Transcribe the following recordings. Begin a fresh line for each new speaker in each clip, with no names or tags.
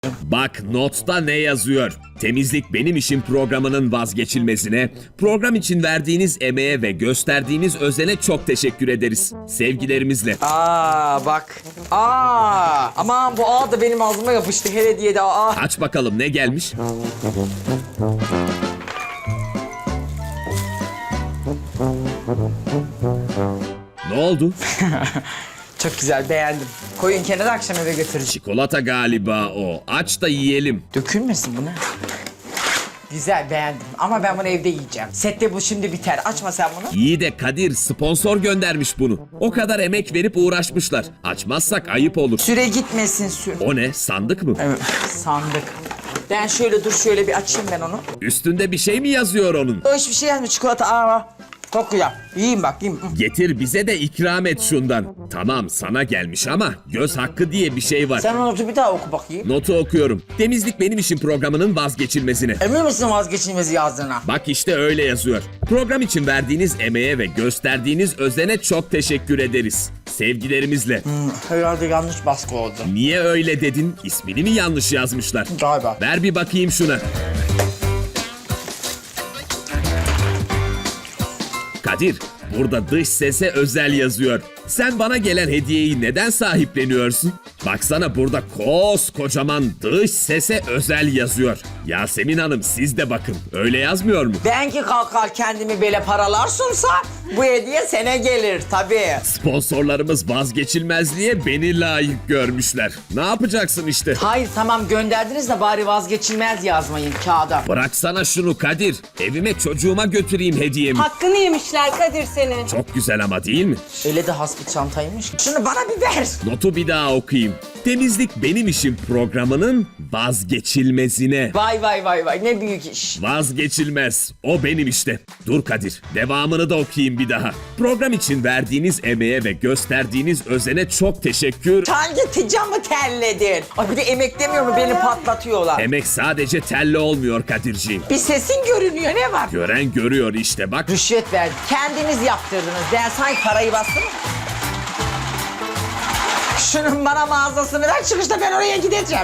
Bak notta ne yazıyor? Temizlik Benim İşim programının vazgeçilmezine, program için verdiğiniz emeğe ve gösterdiğiniz özene çok teşekkür ederiz. Sevgilerimizle.
Bak. Aman bu A da benim ağzıma yapıştı. Hele diye de
Aç bakalım ne gelmiş? Ne oldu?
Çok güzel, beğendim. Koyun kenara, akşam eve götüreceğim.
Çikolata galiba o. Aç da yiyelim.
Dökülmesin bu ne? Güzel, beğendim. Ama ben bunu evde yiyeceğim. Sette bu şimdi biter. Açma sen bunu.
İyi de Kadir sponsor göndermiş bunu. O kadar emek verip uğraşmışlar. Açmazsak ayıp olur.
Süre gitmesin sür.
O ne? Sandık mı?
Evet, sandık. Ben şöyle bir açayım ben onu.
Üstünde bir şey mi yazıyor onun?
O hiçbir şey yazmıyor. Çikolata. Çok güzel. Yiyeyim bak, yiyeyim.
Getir bize de ikram et şundan. Tamam sana gelmiş ama göz hakkı diye bir şey var.
Sen onu bir daha oku bakayım.
Notu okuyorum. Temizlik Benim İşim programının vazgeçilmezine.
Emin misin vazgeçilmezi yazdığına?
Bak işte öyle yazıyor. Program için verdiğiniz emeğe ve gösterdiğiniz özene çok teşekkür ederiz. Sevgilerimizle.
Herhalde yanlış baskı oldu.
Niye öyle dedin? İsmini mi yanlış yazmışlar?
Galiba.
Ver bir bakayım şuna. Kadir, burada dış sese özel yazıyor. Sen bana gelen hediyeyi neden sahipleniyorsun? Baksana burada koskocaman dış sese özel yazıyor. Yasemin Hanım siz de bakın. Öyle yazmıyor mu?
Ben ki kalkar kendimi böyle paralar sunsa bu hediye sana gelir tabii.
Sponsorlarımız vazgeçilmezliğe beni layık görmüşler. Ne yapacaksın işte?
Hayır tamam gönderdiniz de bari vazgeçilmez yazmayın kağıda.
Bıraksana şunu Kadir. Evime çocuğuma götüreyim hediyemi.
Hakkını yemişler Kadir senin.
Çok güzel ama değil mi?
Öyle de has bir çantaymış. Şunu bana bir ver.
Notu bir daha okuyayım. Temizlik Benim İşim programının vazgeçilmezine.
Vay ne büyük iş.
Vazgeçilmez. O benim işte. Dur Kadir. Devamını da okuyayım bir daha. Program için verdiğiniz emeğe ve gösterdiğiniz özene çok teşekkür.
Hangi ticamı terledin? Ay bir de emek demiyor mu beni patlatıyorlar.
Emek sadece telle olmuyor Kadirciğim.
Bir sesin görünüyor ne var?
Gören görüyor işte bak.
Rüşvet verdi. Kendiniz yaptırdınız. Ben sanki parayı bastım. Şunun bana mağazasını ver, çıkışta ben oraya gideceğim.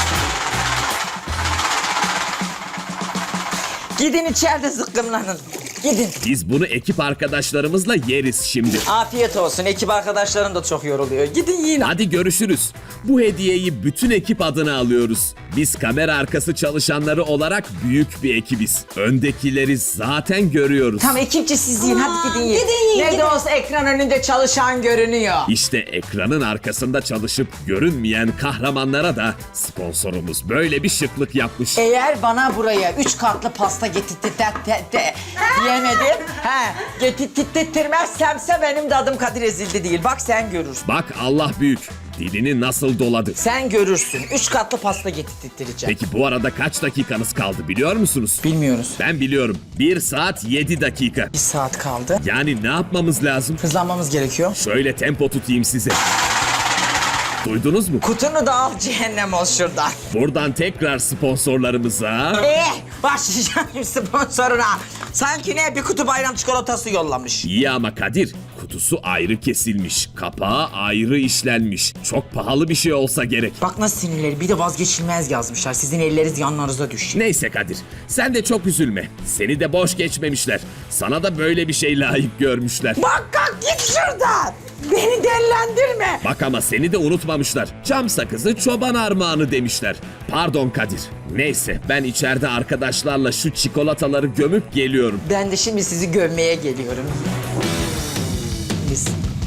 Gidin içeride zıkkımlanın. Gidin.
Biz bunu ekip arkadaşlarımızla yeriz şimdi.
Afiyet olsun. Ekip arkadaşlarım da çok yoruluyor. Gidin yiyin.
Hadi görüşürüz. Bu hediyeyi bütün ekip adına alıyoruz. Biz kamera arkası çalışanları olarak büyük bir ekibiz. Öndekileri zaten görüyoruz.
Tam ekipçe siz yiyin. Hadi gidin yiyin.
gidin yiyin,
Ne de
gidin.
olsa ekran önünde çalışan görünüyor.
İşte ekranın arkasında çalışıp görünmeyen kahramanlara da sponsorumuz böyle bir şıklık yapmış.
Eğer bana buraya 3 katlı pasta diyemedim. Getirttirmezsemse benim de adım Kadir Ezildi değil. Bak sen görürsün.
Bak Allah büyük. Dilini nasıl doladı.
Sen görürsün. 3 katlı pasta getirttireceğim.
Peki bu arada kaç dakikanız kaldı biliyor musunuz?
Bilmiyoruz.
Ben biliyorum. 1 saat 7 dakika.
1 saat kaldı.
Yani ne yapmamız lazım?
Hızlanmamız gerekiyor.
Şöyle tempo tutayım size. Duydunuz mu?
Kutunu da al cehennem ol şuradan.
Buradan tekrar sponsorlarımıza...
Başlayacağım sponsoruna. Sanki ne bir kutu bayram çikolatası yollamış.
İyi ama Kadir, kutusu ayrı kesilmiş, kapağı ayrı işlenmiş. Çok pahalı bir şey olsa gerek.
Bak nasıl sinirleri, bir de vazgeçilmez yazmışlar. Sizin elleriniz yanlarınıza düşüyor.
Neyse Kadir, sen de çok üzülme. Seni de boş geçmemişler. Sana da böyle bir şey layık görmüşler.
Bak kalk git şuradan. Beni delilendirme.
Bak ama seni de unutmamışlar. Çam sakızı çoban armağanı demişler. Pardon Kadir. Neyse ben içeride arkadaşlarla şu çikolataları gömüp geliyorum.
Ben de şimdi sizi gömmeye geliyorum. Biz.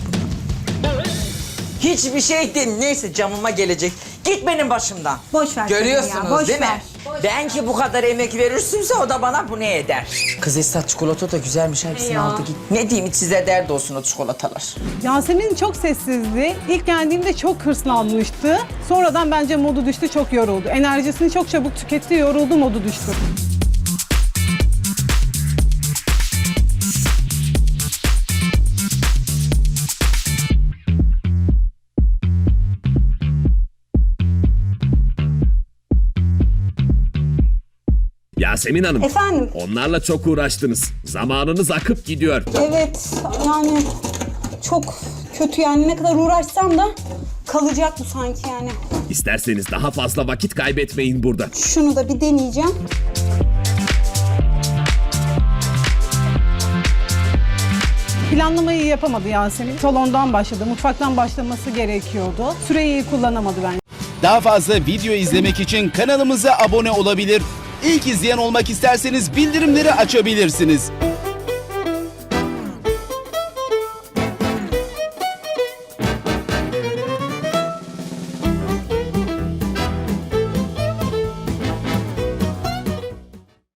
Hiçbir şey değil. Neyse camıma gelecek. Git benim başımdan.
Boş ver
Görüyorsunuz
kadın ya, boş
değil mi?
ver.
Ben ki bu kadar emek verirsiniz o da bana bu ne eder? Kız Esat çikolata da güzelmiş. Hepsini
Ya.
aldı git. Ne diyeyim size dert olsun o çikolatalar.
Yasemin çok sessizdi. İlk geldiğimde çok hırslanmıştı. Sonradan bence modu düştü, çok yoruldu. Enerjisini çok çabuk tüketti, yoruldu, modu düştü.
Yasemin Hanım.
Efendim?
Onlarla çok uğraştınız. Zamanınız akıp gidiyor.
Evet yani çok kötü yani ne kadar uğraşsam da Kalacak bu sanki yani.
İsterseniz daha fazla vakit kaybetmeyin burada.
Şunu da bir deneyeceğim.
Planlamayı yapamadı Yasemin. Salondan başladı, mutfaktan başlaması gerekiyordu. Süreyi iyi kullanamadı bence.
Daha fazla video izlemek için kanalımıza abone olabilir. İlk izleyen olmak isterseniz bildirimleri açabilirsiniz.